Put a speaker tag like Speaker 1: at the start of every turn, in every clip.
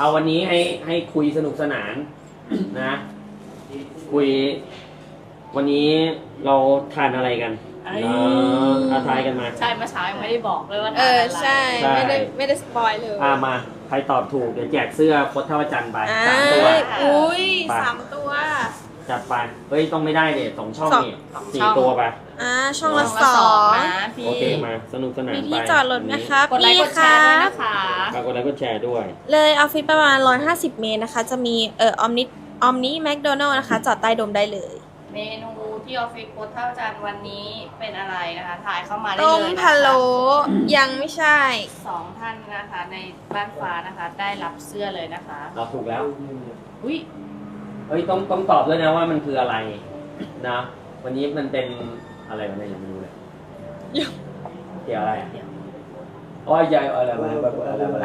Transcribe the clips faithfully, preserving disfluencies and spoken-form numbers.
Speaker 1: เอาวันนี้ให้ให้คุยสนุกสนานนะ คุย วันนี้เราทานอะไรกันเนาะอาทายกันมา
Speaker 2: ใช่เมื่อเช้ายังไม่ได้บอกเลยว่า
Speaker 3: เอ
Speaker 2: ทาน
Speaker 3: อ
Speaker 2: อะไร
Speaker 3: ใช่
Speaker 1: ใช่
Speaker 3: ไม่ได้ไม่ได้สปอยเลย
Speaker 1: อ่ามาใครตอบถูกเดี๋ยวแจกเสื้อโคตรเท่าจันทร์ไป
Speaker 3: อ่า
Speaker 1: สามตัว
Speaker 3: อุ้ย
Speaker 1: ไป
Speaker 3: สามตัว
Speaker 1: จัดไปเฮ้ยต้องไม่ได้เด็ดสองช่อง
Speaker 3: สอง
Speaker 1: นี่สี่ตัวไป
Speaker 3: อ่าช่องละ
Speaker 2: ช่อง
Speaker 3: ส
Speaker 2: ละ
Speaker 3: อ
Speaker 2: สอง
Speaker 3: ง
Speaker 2: นะพี่
Speaker 1: โอเคมาสนุกสนาน
Speaker 3: มี
Speaker 1: ไป
Speaker 3: ที่จอดรถไหมครับ
Speaker 2: กดไลค์กดแชร์ด้วยนะคะ
Speaker 1: ฝากกดไลค์กดแชร์ด้วย
Speaker 3: เลยออฟฟิศประมาณหนึ่งร้อยห้าสิบเมตรนะคะ จะมีเอ่อออมนิออมนิแมคโดนัลล์นะคะ จอดใต้โดมได้เลย
Speaker 2: เมนูที่ออฟฟิศโคตรเท่าจานวันนี้เป็นอะไรนะคะถ่ายเข้ามาได้
Speaker 3: ต้
Speaker 2: เล
Speaker 3: ม
Speaker 2: ยนะคะ
Speaker 3: พะโล้ยังไม่ใช่
Speaker 2: สองท่านนะคะในบ้านฟ้านะคะ ได้รับเสื้อเลยนะคะ
Speaker 1: เราถูกแล้ว
Speaker 2: อุ้ย
Speaker 1: เฮ้ยต้องต้องตอบด้วยนะว่ามันคืออะไรนะวันนี้มันเป็นอะไรวะเนี่ยยังไม่รู้เลยเกี่ยวอะไรอ่ะโอ้ยยายอะไรมาอะไรมา
Speaker 3: ไอ้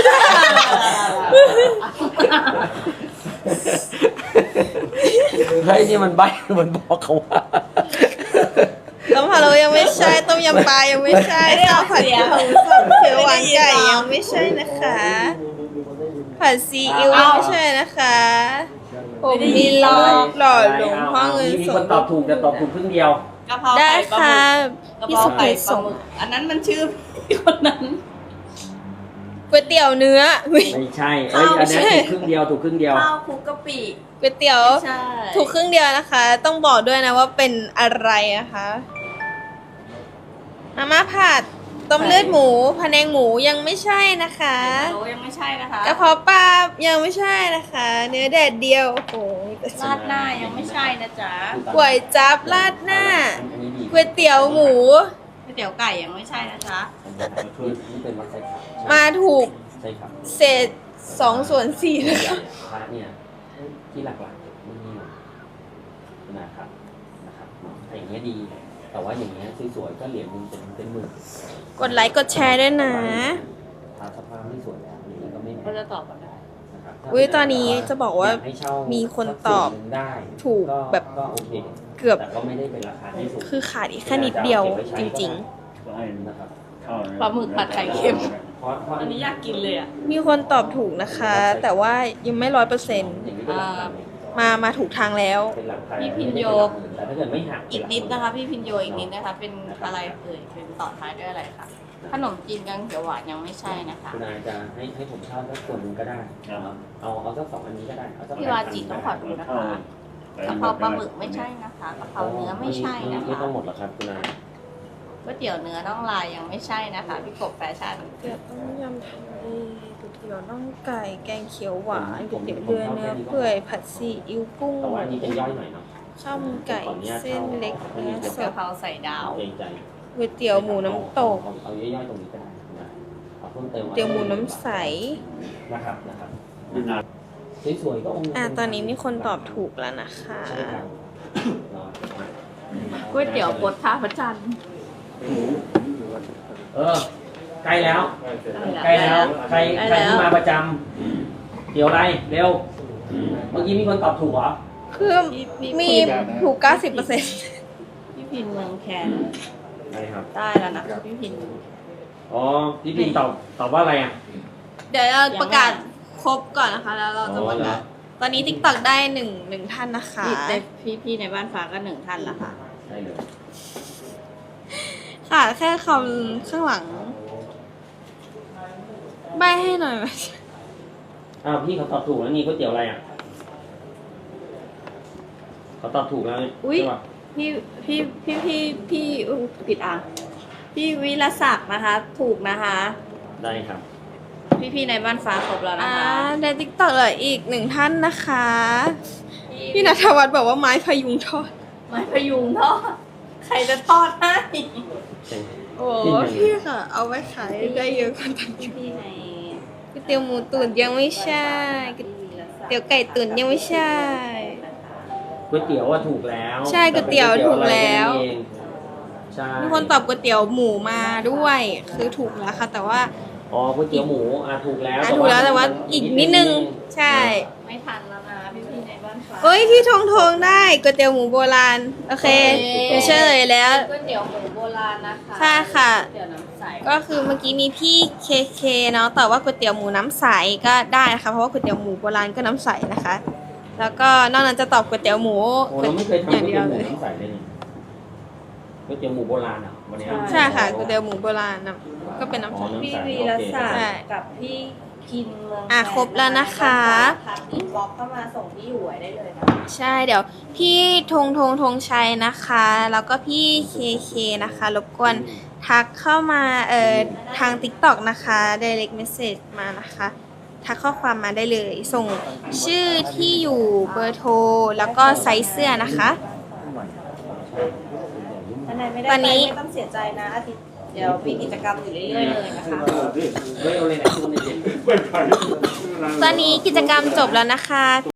Speaker 1: เฮ้ยนี่มันใบมันบอกเขาว่า
Speaker 3: ต้มพะโล้ยังไม่ใช่ ต้มยำปลายังไม่ใช่ข้าวผัดกะเพราสดเขียวหวานไก่ยังไม่ใช่นะคะ ผัดซีอิ๊วยังไม่ใช่นะคะผมมีหลอกหล่อหลวงพ่อเงิน
Speaker 1: มี
Speaker 3: ส
Speaker 1: คน
Speaker 3: ด
Speaker 1: ตอบถูกแต่ตอบถูกครึ่งเดียว
Speaker 2: กะเพรา
Speaker 3: ได้
Speaker 2: ไก่ปลา
Speaker 3: ค่ะ
Speaker 2: หมึกกะ
Speaker 3: พี่
Speaker 2: เพรา
Speaker 3: สุ
Speaker 2: ไก่
Speaker 3: กิ
Speaker 2: ปลา
Speaker 3: ส่ง
Speaker 2: หมึกอันนั้นมันชื่อพี่คนนั้น
Speaker 3: ก๋วยเตี๋ยวเนื้ออุ๊ย
Speaker 1: ไม่ใช่เอ้ยอันนี้ถูกครึ่งเดียวถูกครึ่งเดียว
Speaker 2: ข้าวคลุกกะปิ
Speaker 3: ก๋วยเตี๋ยว
Speaker 2: ใช่
Speaker 3: ถูกครึ่งเดียวนะคะ ต้องบอกด้วยนะว่าเป็นอะไรนะคะมาม่าผัดต้มเลือดหมูพะแนงหมูยังไม่ใช่นะคะ
Speaker 2: โอ้ยังไม่ใช่นะคะ
Speaker 3: กระเพาะปลายังไม่ใช่นะคะ เนื้อแดดเดียวโอ้โหมีแต่
Speaker 2: ราดหน้ายังไม่ใช่นะจ๊ะ
Speaker 3: ก๋วยจั๊บราดหน้า
Speaker 1: อันนี้ดี
Speaker 3: ก๋วยเตี๋ยวหมู
Speaker 2: ก๋วยเตี๋ยวไก่ยังไม่ใช่นะจ๊ะ
Speaker 1: นี่เป็นวัดไซครับ
Speaker 3: มาถูก
Speaker 1: ใช่ครับ
Speaker 3: เศษสองส่วนสี่นะคะ
Speaker 1: พระเนี่ยที่หลักๆไม่มีนะครับนะครับอย่างเงี้ยดี แต่ว่าอย่างเงี้ยสวยๆก็เหรียญหนึงเป็นเป็นหมื่น
Speaker 3: กดไลค์กดแชร์ด้วยนะ
Speaker 1: พระสภาพไม่สวยแล้วอย่างนี้ก็ไม่
Speaker 2: ก็จะตอบกันได้
Speaker 1: นะครับ
Speaker 3: อุ๊ยตอนนี้จะบอกว่า
Speaker 1: อยให้เช่า
Speaker 3: มีคนตอบ
Speaker 1: สักส่วนหนึ่งได้
Speaker 3: ถูกแบบ
Speaker 1: ก็โอเค
Speaker 3: เกือบ
Speaker 1: แต่ก็ไม่ได้เป็นราคาที่สูง
Speaker 3: คือขาดอีกแค่นิดเดียวจริง
Speaker 1: นะครับ
Speaker 2: ปลาหมึกผัดไข่เค็ม
Speaker 1: เพราะเพราะ
Speaker 2: อันนี้อยากกินเลยอ่ะ
Speaker 3: ๆ มีคนตอบถูกนะคะ แต่ว่ายังไม่ร้อยเปอร์เซ็นต์
Speaker 1: อย่างนี้เป็นหลักพัน
Speaker 3: มามาถูกทางแล้ว
Speaker 1: เป็นหลักพัน
Speaker 2: พี่พินโย
Speaker 1: แต่ถ้าเกิดไม่หัก
Speaker 2: อีกนิดนะคะ พี่พินโยอีกนิดนะคะ เป็นอะไรเอ่ยเป็นต่อท้ายด้วยอะไรคะขนมจีนกังเขียวหวานยังไม่ใช่นะคะ
Speaker 1: คุณนายจะให้ให้ผมเช่าสักส่วนหนึ่งก็ได้เอาเอาเอาสักสองอันนี้ก็ได้เอาสัก
Speaker 2: พี่วาจิต้องขอดูนะคะกะเพราปลาหมึกไม่ใช่นะคะกะเพราเนื้อไม่ใช่นะ
Speaker 1: ไม่
Speaker 2: คะ
Speaker 1: ต้องหมดหรอกครับคุณนาย
Speaker 2: ก๋วยเตี๋ยวเนื้อน่องลายยังไม่ใช่นะคะพี่กบแฟชั่น
Speaker 3: เตี๋ยวต้มยำทะเลก๋วยเตี๋ยวน่องไก่ แกงเขียวหวานก๋วยเตี๋ยวเรือเนื้อเปื่อย ผัดซีอิ๊วกุ้ง
Speaker 1: แต่ว่าอันนี้จะย่อยหน่อยเนาะ
Speaker 3: ข้าวมันไก่ เส้นเล็กเนื้อส
Speaker 2: กะ
Speaker 3: ด
Speaker 2: เพราใส่ดาว
Speaker 1: เกรงใจ
Speaker 3: ก๋วยเตี๋ยวหมูน้ำตก
Speaker 1: เอาเอาย่อยๆตรงนี้ก็ได้นะเอาเพิ่มเติม
Speaker 3: เตี๋ยวหมูน้ำใส
Speaker 1: นะครับนะครับสวยๆก็องค์
Speaker 3: อ่ะตอนนี้มีคนตอบถูกแล้วนะคะ
Speaker 1: ใช่ครับ
Speaker 2: ก๋วยเตี๋ยวปดท่าพระจันทร์
Speaker 1: เออใกล้แล้วใกล้แล้วใครใครที่มาประจำเดี๋ยวอะไรเร็ว เมื่อกี้มีคนตอบถูกเหรอ
Speaker 3: คือมีถูก เก้าสิบเปอร์เซ็นต์
Speaker 2: พี่พินเมืองแคน
Speaker 1: ใช่ครับ
Speaker 2: ได้แล้วนะคะพี่พิน
Speaker 1: อ๋อพี่ปินตอบตอบว่าอะไรอ่ะ
Speaker 3: เดี๋ยวเราประกาศครบก่อนนะคะ แล้วเราจะประกาศตอนนี้ TikTok ได้หนึ่งหนึ่งท่านนะคะ
Speaker 2: พี่ในพี่พี่ในบ้านฟ้าก็หนึ่งท่านละค่ะ
Speaker 1: ใช่เลย
Speaker 3: ค่ะแค่คำข้างหลัง ใบให้หน่อยไหม
Speaker 1: อ้าวพี่เขาตอบถูกแล้วนี่ก๋วยเตี๋ยวอะไรอ่ะเขาตอบถูกแล้วนี่
Speaker 2: อุ๊ย
Speaker 1: ใช่ปะ
Speaker 2: พี่พี่พี่พี่พี่อุ๊ยผิดอ่ะพี่วิรศักดิ์นะคะ ถูกนะคะ
Speaker 1: ได้ครับ
Speaker 2: พี่พี่ในบ้านฟ้าครบแล้วนะ
Speaker 3: อ่า
Speaker 2: คะ
Speaker 3: ใน TikTok เหลืออีกหนึ่งท่านนะคะ พี่ณัฐวัฒน์บอกว่าไม้พยุงทอด
Speaker 2: ไม้พยุงทอดใครจะทอดให้
Speaker 1: ใช่
Speaker 3: โอ้พี่ค่ะ เอาไว้ขายได้เยอะกว่าตั้ง
Speaker 2: พี่ใน
Speaker 3: ก๋วยเตี๋ยวหมูตุ๋นยังไม่ใช่ก๋วยเตี๋ยวไก่ตุ๋นยังไม่ใช่
Speaker 1: ก๋วยเตี๋ยวว่าถูกแล้ว
Speaker 3: ใช่ก๋วยเตี๋ยวถูกแล้ว
Speaker 1: ต่เป็นก๋ยเตี๋ยอะไรกันเองใช่
Speaker 3: มีคนตอบก๋วยเตี๋ยวหมูมาด้วย คือถูกแล้วค่ะ แต่ว่า
Speaker 1: อ๋อก๋วยเตี๋ยวหมูอ่ะถูกแล้ว
Speaker 3: อ่ะถูกแล้วแต่ว่าอีกนิดนึง ใช่
Speaker 2: ไม่ทันแล้วนะพี่พี่ในบ้านฟ้า
Speaker 3: เอ้ยที่ทงทงได้ก๋วยเตี๋ยวหมูโบราณ โอเค
Speaker 2: โอเค
Speaker 3: เดี๋ยวเฉลยแล้ว
Speaker 2: ก๋วยเตี๋ยวหมูโบราณนะคะ
Speaker 3: ใช่ค่ะ
Speaker 2: ก๋วยเตี๋ยวน้ำใส
Speaker 3: ก็คือเมื่อกี้มีพี่เคเคเนาะแต่ว่าก๋วยเตี๋ยวหมูน้ำใสก็ได้นะคะเพราะว่าก๋วยเตี๋ยวหมูโบราณก็น้ำใสนะคะ แล้วก็นอกนั้นจะตอบก๋วยเตี๋ยวหมู
Speaker 1: โอ้เราไม่เคยทำ
Speaker 3: อ
Speaker 1: ก๋ว
Speaker 3: ย่าง
Speaker 1: ย
Speaker 3: เดี
Speaker 1: เตี๋
Speaker 3: ย
Speaker 1: ยว วห
Speaker 3: เล
Speaker 1: มู
Speaker 3: ย
Speaker 1: น้ำใสเลยนี่ก๋วยเตี๋ยวหมูโบราณอ่ะวันนี้
Speaker 3: ใช่ค่ะก๋วยเตี๋ยวหมูโบราณนะก็เป็นน้ำใส
Speaker 4: พี่วีรศัก
Speaker 3: ใช่
Speaker 4: ดิ์กับพี่คินเมือง
Speaker 3: อ่ะครบแล้วนะคะ
Speaker 4: ทักอินบ็อกซ์เข้ามาส่งที่อยู่ไว้ได้เลยนะ
Speaker 3: ใช่เดี๋ยวพี่ธงธงธงชัยนะคะ แล้วก็พี่เคเคนะคะรบกวนทักเข้ามาเอ่อทาง TikTok นะคะ direct message มานะคะทักข้อความมาได้เลย ส่งชื่อที่อยู่เบอร์โทรแล้วก็ไซส์เสื้อนะคะ
Speaker 4: ท่านใดไม่ได้
Speaker 3: ตอนนี้
Speaker 4: ไปไม่ต้องเสียใจนะอาทิตย์เดี๋ยวมีกิจกรรมอยู่เรื่อยๆเลยนะคะ
Speaker 1: เฮ้ยเอาเลยไหนคุณเนี่ย
Speaker 3: ตอนนี้กิจกรรมจบแล้วนะคะ